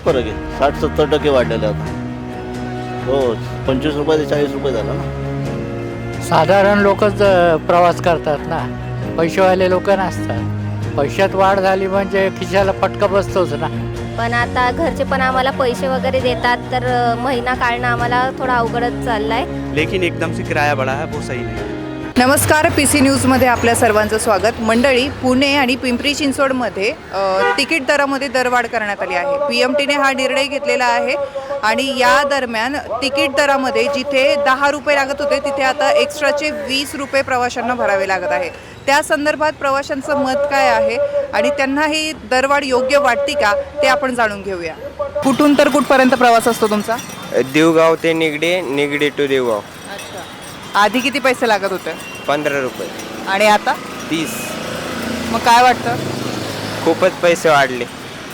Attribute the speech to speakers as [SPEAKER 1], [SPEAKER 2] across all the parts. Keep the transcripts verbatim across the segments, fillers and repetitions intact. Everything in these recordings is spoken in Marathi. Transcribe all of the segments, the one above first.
[SPEAKER 1] फरक आहे. साठ सत्तर टक्के वाढलेले आता. हो, पंचवीस रुपये ते चाळीस रुपये झाला ना.
[SPEAKER 2] साधारण लोकच प्रवास करतात ना, पैसेवाले लोक नसतात. पैशात वाढ झाली म्हणजे खिशाला फटका बसतोच ना.
[SPEAKER 3] पण आता घरचे पण आम्हाला पैसे वगैरे देतात, तर महिना काढणं आम्हाला थोडा अवघडच चाललाय.
[SPEAKER 4] लेकिन एकदम से किराया बढ़ा है, वो सही नहीं है.
[SPEAKER 5] नमस्कार, पी सी न्यूजमध्ये आपल्या सर्वांचं स्वागत. मंडळी, पुणे आणि पिंपरी चिंचवडमध्ये तिकीट दरामध्ये दरवाढ करण्यात आली आहे. पी एम टीने हा निर्णय घेतलेला आहे आणि या दरम्यान तिकीट दरामध्ये जिथे दहा रुपये लागत होते तिथे आता एक्स्ट्राचे वीस रुपये प्रवाशांना भरावे लागत आहे. त्या संदर्भात प्रवाशांचं मत काय आहे आणि त्यांना ही दरवाढ योग्य वाटते का ते आपण जाणून घेऊया. कुठून तर कुठपर्यंत प्रवास असतो तुमचा?
[SPEAKER 6] देवगाव ते निगडी, निगडी टू देवगाव.
[SPEAKER 5] आधी किती पैसे लागत होते?
[SPEAKER 6] पंधरा रुपये
[SPEAKER 5] आणि आता
[SPEAKER 6] तीस.
[SPEAKER 5] मग काय वाटतं?
[SPEAKER 6] खूपच पैसे वाढले.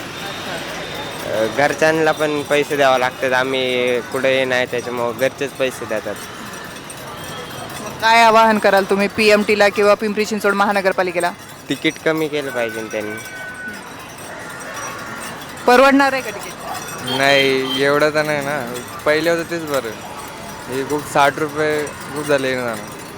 [SPEAKER 6] घरच्यांना पण पैसे द्यावे लागतात. आम्ही कुठे नाही, त्याच्यामुळं घरचेच पैसे देतात.
[SPEAKER 5] मग काय आवाहन कराल तुम्ही पी एम टीला किंवा पिंपरी चिंचवड महानगरपालिकेला?
[SPEAKER 6] तिकीट कमी केलं पाहिजे त्यांनी.
[SPEAKER 5] परवडणार आहे का तिकीट?
[SPEAKER 7] नाही, एवढं तर नाही ना. पहिले होतं तेच बरं. हे खूप साठ रुपये खूप झाले ना.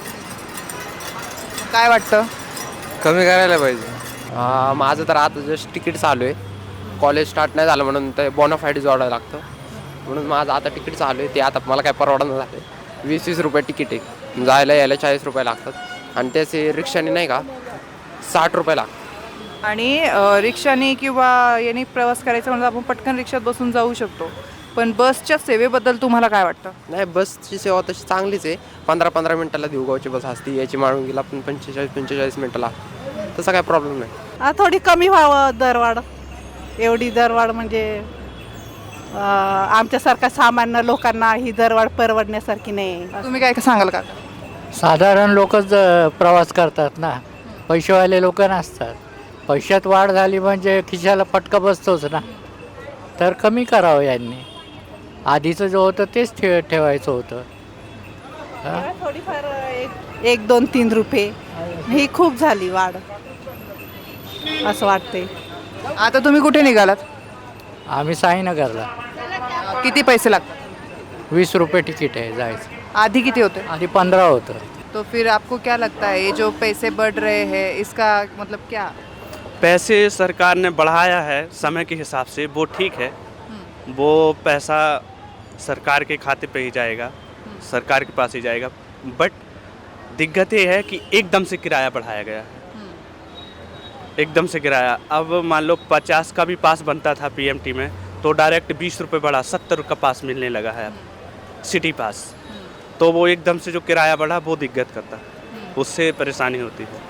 [SPEAKER 5] काय वाटतं?
[SPEAKER 7] कमी करायला पाहिजे.
[SPEAKER 8] माझं तर आता जस्ट तिकीट चालू आहे. कॉलेज स्टार्ट नाही झालं म्हणून ते बोनाफाईड जोडायला लागतं, म्हणून माझं आता तिकीट चालू आहे. ते आता मला काय परवडणार झालं. वीस वीस रुपये तिकीट आहे, जायला यायला चाळीस रुपये लागतात आणि त्याचे रिक्षाने नाही का साठ रुपये लागतात.
[SPEAKER 5] आणि रिक्षाने किंवा याने प्रवास करायचा म्हणजे आपण पटकन रिक्षात बसून जाऊ शकतो, पण बसच्या सेवेबद्दल तुम्हाला काय वाटतं?
[SPEAKER 8] नाही, बसची सेवा तशी चांगलीच आहे. पंधरा पंधरा मिनटाला देवगावची बस असते, याची माळुंगीला पण पंचेचाळीस पंचेचाळीस मिनटाला. तसा काय प्रॉब्लेम नाही.
[SPEAKER 9] थोडी कमी व्हावं दरवाढ. एवढी दरवाढ म्हणजे आमच्यासारख्या सामान्य लोकांना ही दरवाढ परवडण्यासारखी नाही.
[SPEAKER 5] तुम्ही काय सांगाल का?
[SPEAKER 2] साधारण लोकच प्रवास करतात ना, पैसेवाले लोक नसतात. पैशात वाढ झाली म्हणजे खिशाला फटका बसतोच ना. तर कमी करावं यांनी. आधीचं जे होतं तेच ठे ठेवायचं होतं.
[SPEAKER 9] थोडीफार एक एक दोन तीन रुपये ही खूप झाली वाढ असं वाटते.
[SPEAKER 5] आता तुम्ही कुठे निघालात?
[SPEAKER 2] आम्ही साईनगरला.
[SPEAKER 5] किती पैसे लागतात?
[SPEAKER 2] वीस रुपये तिकीट आहे जायचं.
[SPEAKER 5] आधी किती होते?
[SPEAKER 2] आधी पंधरा होतं.
[SPEAKER 5] तो फिर आपको क्या लगता है ये जो पैसे बढ़ रहे हैं इसका मतलब क्या?
[SPEAKER 4] पैसे सरकार ने बढ़ाया है समय के हिसाब से, वो ठीक है. वो पैसा सरकार के खाते पे ही जाएगा, सरकार के पास ही जाएगा. बट दिक्कत ये है कि एकदम से किराया बढ़ाया गया है. एकदम से किराया, अब मान लो पचास का भी पास बनता था पी एम टी में, तो डायरेक्ट बीस रुपये बढ़ा, सत्तर का पास मिलने लगा है अब सिटी पास. तो वो एकदम से जो किराया बढ़ा वो दिक्कत करता, उससे परेशानी होती है.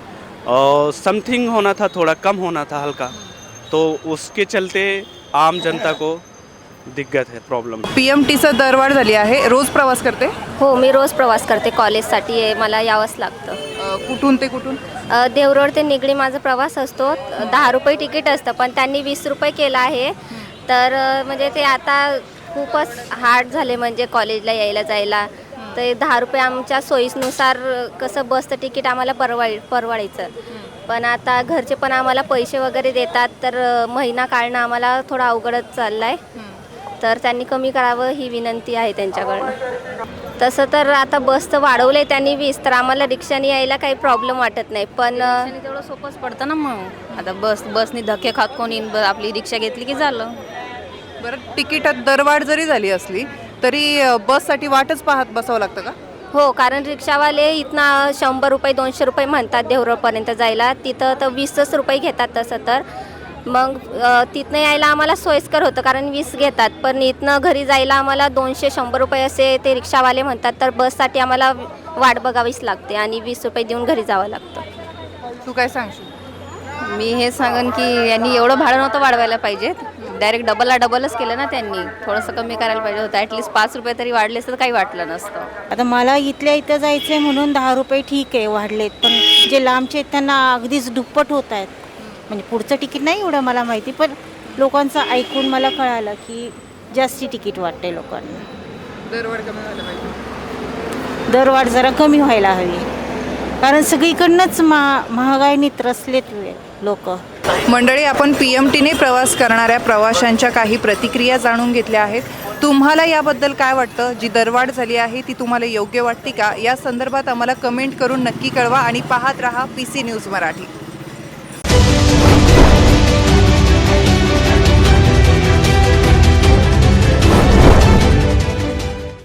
[SPEAKER 4] और समथिंग होना था, थोड़ा कम होना था हल्का, तो उसके चलते आम जनता को दिक्कत है, प्रॉब्लम.
[SPEAKER 5] पी एम टीचं दरवाढ झाली आहे. रोज प्रवास करते?
[SPEAKER 3] हो, मी रोज प्रवास करते. कॉलेजसाठी आहे, मला यावंच लागतं.
[SPEAKER 5] अ, कुठून ते कुठून?
[SPEAKER 3] अ, देवरोड ते निगडी माझा प्रवास असतो. दहा रुपये तिकीट असतं, पण त्यांनी वीस रुपये केलं आहे. तर म्हणजे ते आता खूपच हार्ड झाले म्हणजे कॉलेजला यायला जायला. तर दहा रुपये आमच्या सोयीनुसार कसं बसचं तिकीट आम्हाला परवाय परवडायचं. पण आता घरचे पण आम्हाला पैसे वगैरे देतात, तर महिना काढणं आम्हाला थोडा अवघडच चालला आहे. तर त्यांनी कमी करावं ही विनंती आहे त्यांच्याकडनं. तसं तर आता बसचं वाढवलं आहे त्यांनी वीस, तर आम्हाला रिक्षाने यायला काही प्रॉब्लेम वाटत नाही. पण
[SPEAKER 10] तेवढं सोपंच पडतं ना. मग आता बस बसनी धक्के खात कोणी आपली रिक्षा घेतली की झालं.
[SPEAKER 5] बरं, तिकीटात दरवाढ जरी झाली असली तरी बससाठी वाटच पाहत बसावं लागतं का?
[SPEAKER 3] हो, कारण रिक्षावाले इथनं शंभर रुपये दोनशे रुपये म्हणतात देवरोडपर्यंत जायला. तिथं तर वीसच रुपये घेतात. तसं तर मग तिथनं यायला आम्हाला सोयीस्कर होतं, कारण वीस घेतात. पण इथनं घरी जायला आम्हाला दोनशे शंभर रुपये असे ते रिक्षावाले म्हणतात. तर बससाठी आम्हाला वाट बघावीच लागते आणि वीस रुपये देऊन घरी जावं लागतं.
[SPEAKER 5] तू काय सांगशील?
[SPEAKER 10] मी हे सांगन की यांनी एवढं भाडं नव्हतं वाढवायला पाहिजे. डायरेक्ट डबलला डबलच केलं ना त्यांनी. थोडंसं कमी करायला पाहिजे होतं. ॲटलिस्ट पाच रुपये तरी वाढले असतं तर काही वाटलं नसतं.
[SPEAKER 11] आता मला इथल्या इथं जायचं आहे म्हणून दहा रुपये ठीक आहे वाढलेत, पण जे लांबचे आहेत त्यांना अगदीच दुप्पट होत आहेत. म्हणजे पुढचं तिकीट नाही एवढं मला माहिती, पण लोकांचं ऐकून मला कळालं की जास्ती तिकीट वाटते लोकांना.
[SPEAKER 5] दरवाढ कमी व्हायला पाहिजे.
[SPEAKER 11] दरवाढ जरा कमी व्हायला हवी, कारण सगळीकडनंच मा महागाईने त्रसलेत लोक.
[SPEAKER 5] मंडळी, आपण पी एम टीने प्रवास करणाऱ्या प्रवाशांच्या काही प्रतिक्रिया जाणून घेतल्या आहेत. तुम्हाला याबद्दल काय वाटतं? जी दरवाढ झाली आहे ती तुम्हाला योग्य वाटते का? या संदर्भात आम्हाला कमेंट करून नक्की कळवा आणि पाहत रहा पी सी न्यूज मराठी.